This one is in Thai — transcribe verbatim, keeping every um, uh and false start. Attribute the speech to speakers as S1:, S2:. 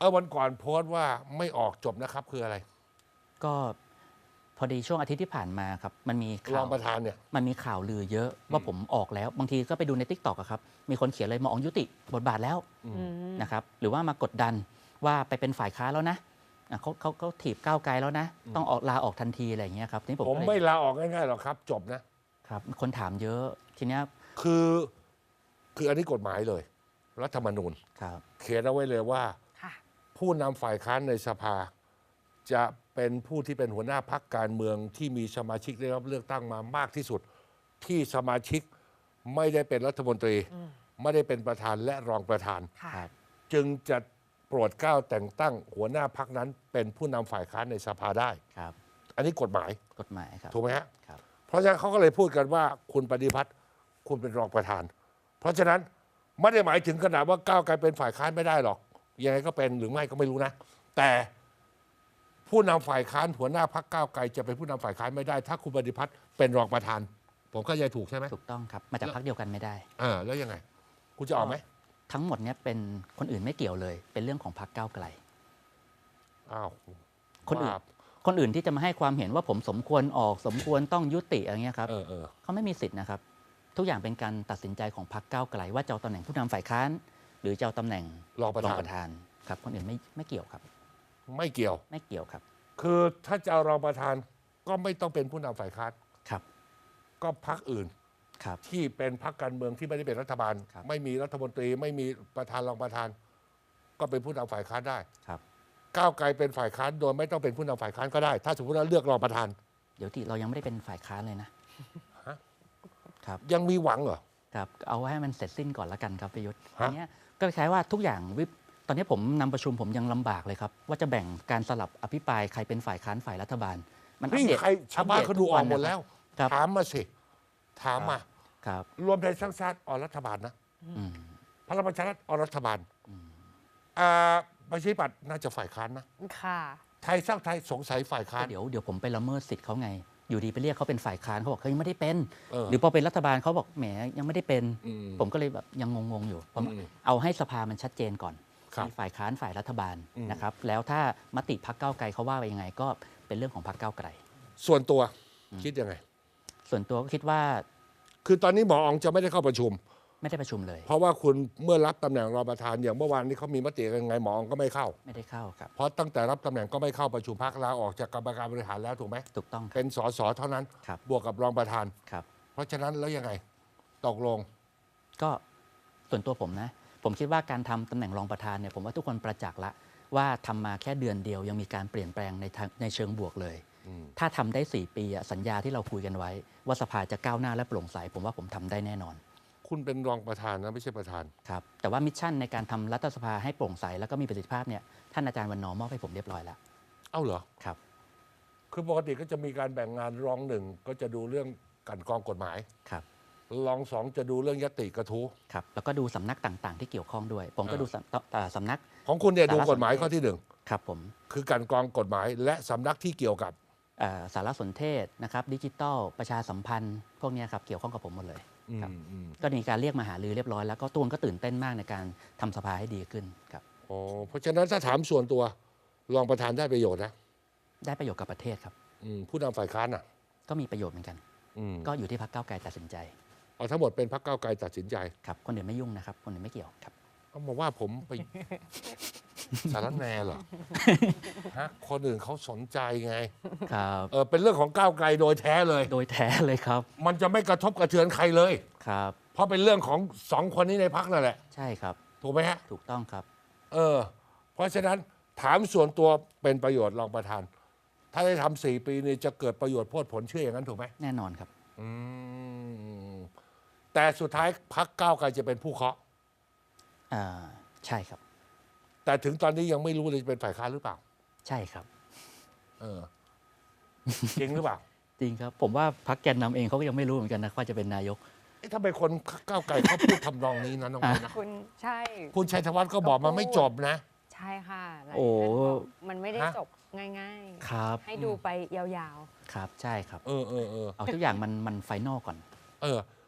S1: อวันก่อนโพสต์ว่าไม่ออกจบนะครับคืออะไร
S2: ก็พอดีช่วงอาทิตย์ที่ผ่านมาครับมันมี
S1: ร
S2: ข่า
S1: อ
S2: ว
S1: งประธานเนี่ย
S2: มันมีข่าวลือเยอะว่าผมออกแล้วบางทีก็ไปดูใน ติ๊กต็อก อะครับมีคนเขียนเลยหมออ๋องยุติบทบาทแล้ว
S1: อืม
S3: อืม
S2: นะครับหรือว่ามากดดันว่าไปเป็นฝ่ายค้านแล้วนะอ่ะเขาเขาเขาถีบก้าวไกลแล้วนะ
S1: อืม
S2: ต้องออกลาออกทันทีอะไรอย่างเงี้ยครับทีนี้ผม
S1: ผม
S2: ก็เลย
S1: ไม่ลาออกง่ายๆหรอกครับ จบนะครับ
S2: คนถามเยอะทีเนี้ย
S1: คือคืออันนี้กฎหมายเลย รัฐธรรมนูญ
S2: ครับ
S1: เขียนเอาไว้เลยว่า
S3: ค่ะ
S1: ผู้นำฝ่ายค้านในสภา จะเป็นผู้ที่เป็นหัวหน้าพรรคการเมืองที่มีสมาชิกได้รับเลือกตั้งมามากที่สุด ที่สมาชิกไม่ได้เป็นรัฐมนตรี
S3: อืม
S1: ไม่ได้เป็นประธานและรองประธาน
S3: ค่ะ
S2: ครับ
S1: จึงจะโปรดเกล้าแต่งตั้งหัวหน้าพรรคนั้น เป็นผู้นำฝ่ายค้านในสภาได้
S2: ครับ
S1: อันนี้กฎหมาย
S2: กฎหมายครับ
S1: ถูกไหมฮะ
S2: ครับ
S1: เพราะฉะนั้นเขาก็เลยพูดกันว่าคุณปฏิพัฒน์คุณเป็นรองประธาน เพราะฉะนั้นไม่ได้หมายถึงขนาดว่าก้าวไกลเป็นฝ่ายค้านไม่ได้หรอกยังไงก็เป็นหรือไม่ก็ไม่รู้นะ แต่ผู้นำฝ่ายค้านหัวหน้าพรรคก้าวไกลจะเป็นผู้นำฝ่ายค้านไม่ได้ ถ้าคุณปฏิพัฒน์เป็นรองประธาน ผมก็ยังถูกใช่ไหม
S2: ถูกต้องครับมาจากพรรคเดียวกันไม่ได้
S1: อ่าแล้วยังไง คุณจะออกไหม
S2: ทั้งหมดเนี้ยเป็นคนอื่นไม่เกี่ยวเลย เป็นเรื่องของพรรคก้าวไกล
S1: อ้าว
S2: คนอื่น
S1: ว่า
S2: คนอื่นที่จะมาให้ความเห็นว่าผมสมควรออกสมควรต้องยุติอะไรเงี้ยครับ
S1: เออเออ
S2: เขาไม่มีสิทธิ์นะครับ ทุกอย่างเป็นการตัดสินใจของพรรคก้าวไกลว่าจะเอาตำแหน่งผู้นำฝ่ายค้าน หรือจะเอาตำแหน่ง
S1: รองประธาน
S2: ธานครับคนอื่นไม่ไม่เกี่ยวครับ
S1: ไม่เกี่ยว
S2: ไม่เกี่ยวครับ
S1: คือถ้าจะเอารองประธานก็ไม่ต้องเป็นผู้นำฝ่ายค้าน
S2: ครับ
S1: ก็พรรคอื่น
S2: ครับ
S1: ที่เป็นพรรคการเมืองที่ไม่ได้เป็นรัฐบาล
S2: ครับ
S1: ไม่มีรัฐมนตรี ไม่มีประธานรองประธาน ก็เป็นผู้นำฝ่ายค้านได้
S2: ครับ
S1: ก้าวไกลเป็นฝ่ายค้านโดยไม่ต้องเป็นผู้นำฝ่ายค้านก็ได้ ถ้าสมมติว่าเลือกรองประธาน
S2: เดี๋ยวที่เรายังไม่ได้เป็นฝ่ายค้านเลยนะ
S1: ฮะ
S2: ครับ
S1: ยังมีหวังเหรอ
S2: ครับเอาให้มันเสร็จสิ้นก่อนละกันครับประยุทธ์
S1: ฮะ
S2: อันเนี้ยก็คล้ายๆว่าทุกอย่างวิปตอนนี้ผมนำประชุมผมยังลำบากเลยครับ ว่าจะแบ่งการสลับอภิปรายใครเป็นฝ่ายค้านฝ่ายรัฐบาล มันอัป
S1: นี่
S2: เดต
S1: ใครชาวบ้านเขาดูออกหมดแล้ว
S2: ครับ
S1: ถามมาสิ ถามมา
S2: ครับ
S1: รวมไทยสร้างชาติออกรัฐบาลนะ
S2: อืม
S1: พลังประชารัฐออกรัฐบาลอ่าประชาธิปัตย์น่าจะฝ่ายค้านนะ
S3: ค่ะ
S1: ไทยสร้างไทยสงสัยฝ่ายค้าน
S2: เดี๋ยวเดี๋ยวผมไปละเมิดสิทธิ์เขาไง อยู่ดีไปเรียกเขาเป็นฝ่ายค้านเขาบอกเขายังไม่ได้เป็น
S1: เออ
S2: หรือพอเป็นรัฐบาลเขาบอกแหมยังไม่ได้เป็น
S1: อืม
S2: ผมก็เลยแบบยังงงๆอยู่ผม
S1: อืม
S2: เอาให้สภามันชัดเจนก่อน
S1: ครับ
S2: มีฝ่ายค้านฝ่ายรัฐบาล
S1: อืม
S2: นะครับ แล้วถ้ามติพักเก้าวไกลเขาว่าไปยังไง ก็เป็นเรื่องของพักเก้าวไกล
S1: ส่วนตัวคิดยังไง
S2: ส่วนตัวก็คิดว่า
S1: คือตอนนี้หมออองจะไม่ได้เข้าประชุม
S2: ไม่ได้ประชุมเลย
S1: เพราะว่าคุณเมื่อรับตำแหน่งรองประธานอย่างเมื่อวานนี้เขามีมติยังไงหมออองก็ไม่เข้า
S2: ไม่ได้เข้าครับ
S1: เพราะตั้งแต่รับตำแหน่งก็ไม่เข้าประชุมพักลาออกจากกรรมการบริหารแล้วถูกไหม
S2: ถูกต้องครับ
S1: เป็นสสเท่านั้น
S2: ครับ
S1: บวกกับรองประธาน
S2: ครับ
S1: เพราะฉะนั้นแล้วยังไง ตกลง
S2: ก็ส่วนตัวผมนะ ผมคิดว่าการทำตำแหน่งรองประธานเนี่ยผมว่าทุกคนประจักษ์ละว่าทำมาแค่เดือนเดียวยังมีการเปลี่ยนแปลงในทางในเชิงบวกเลย
S1: อืม
S2: ถ้าทำได้สี่ปีอะสัญญาที่เราคุยกันไว้ ว่าสภาจะก้าวหน้าและโปร่งใสผมว่าผมทำได้แน่นอน
S1: คุณเป็นรองประธานนะไม่ใช่ประธาน
S2: ครับแต่ว่ามิชชั่นในการทำรัฐสภาให้โปร่งใสแล้วก็มีประสิทธิภาพเนี่ยท่านอาจารย์วันนอร์มอบให้ผมเรียบร้อยแล้ว
S1: เอ้าเหรอ
S2: ครับ
S1: คือปกติก็จะมีการแบ่งงานรองหนึ่งก็จะดูเรื่องกลันกรองกฎหมาย
S2: ครับ
S1: รองสองจะดูเรื่องยติกระทู้
S2: ครับแล้วก็ดูสำนักต่างๆ ที่เกี่ยวข้องด้วย ผมก็ดูสำเอ่อสำนัก
S1: ของคุณเนี่ย
S2: สาร
S1: ดู
S2: สนเทศ
S1: กฎหมายข้อที่หนึ่ง
S2: ครับผม
S1: คือกลันกรองกฎหมาย และสำนักที่เกี่ยวกับ
S2: เอ่อสารสนเทศนะครับดิจิทัลประชาสัมพันธ์ พวกเนี้ยครับเกี่ยวข้องกับผมหมดเลย ครับ
S1: อืมอืม
S2: ก็มีการเรียกมาหารือเรียบร้อยแล้วก็ตูนก็ตื่นเต้นมากในการทำสภาให้ดีขึ้นครับ
S1: อ๋อเพราะฉะนั้นถ้าถามส่วนตัวรองประธานได้ประโยชน์นะ
S2: ได้ประโยชน์กับประเทศครับ
S1: อืมผู้นำฝ่ายค้านอ่ะ
S2: ก็มีประโยชน์เหมือนกัน
S1: อืม
S2: ก็อยู่ที่พรรคก้าวไกลตัดสินใจ
S1: เอาทั้งหมดเป็นพรรคก้าวไกลตัดสินใจ
S2: ครับคนอื่นไม่ยุ่งนะครับคนอื่นไม่เกี่ยวครับ
S1: เขาบอกว่าผมไป สารแหนเหรอฮะคนอื่นเขาสนใจไง
S2: ครับ
S1: เออเป็นเรื่องของก้าวไกลโดยแท้เลย
S2: โดยแท้เลยครับ
S1: มันจะไม่กระทบกระเทือนใครเลย
S2: ครับ
S1: เพราะเป็นเรื่องของสองคนนี้ในพักนั่นแหละ
S2: ใช่ครับ
S1: ถูกไหมฮะ
S2: ถูกต้องครับ
S1: เออ เพราะฉะนั้นถามส่วนตัวเป็นประโยชน์รองประธาน ถ้าได้ทำสี่ปีนี้จะเกิดประโยชน์โพดผลเชื่ออย่างนั้นถูกไหม
S2: แน่นอนครับ
S1: อืมแต่สุดท้ายพักก้าวไกลจะเป็นผู้เคาะ
S2: อ่าใช่ครับ
S1: แต่ถึงตอนนี้ยังไม่รู้เลยจะเป็นฝ่ายค้านหรือเปล่า
S2: ใช่ครับ
S1: เออ จริงหรือเปล่า
S2: จริงครับ ผมว่าพรรคแกนนำเองเขาก็ยังไม่รู้เหมือนกันนะว่าจะเป็นนายก
S1: เอ๊ะทำไมคนก้าวไกลเขาพูดทำนองนี้นะน้องไม้นะ
S3: คุณใช่
S1: คุณชัยธวัฒน์ก็บอกมันไม่จบนะ
S3: ใช่ค่ะหลาย
S2: โอ้
S3: ท่านบอกมันไม่ได้
S1: ฮะ
S3: จบง่าย
S2: ครับ
S3: ๆ ให้ดูไปยาว
S2: ครับใช่ครับ
S1: เออเออเออ
S2: เอาทุกอย่างมันมันไฟนอลก่อน
S1: เออ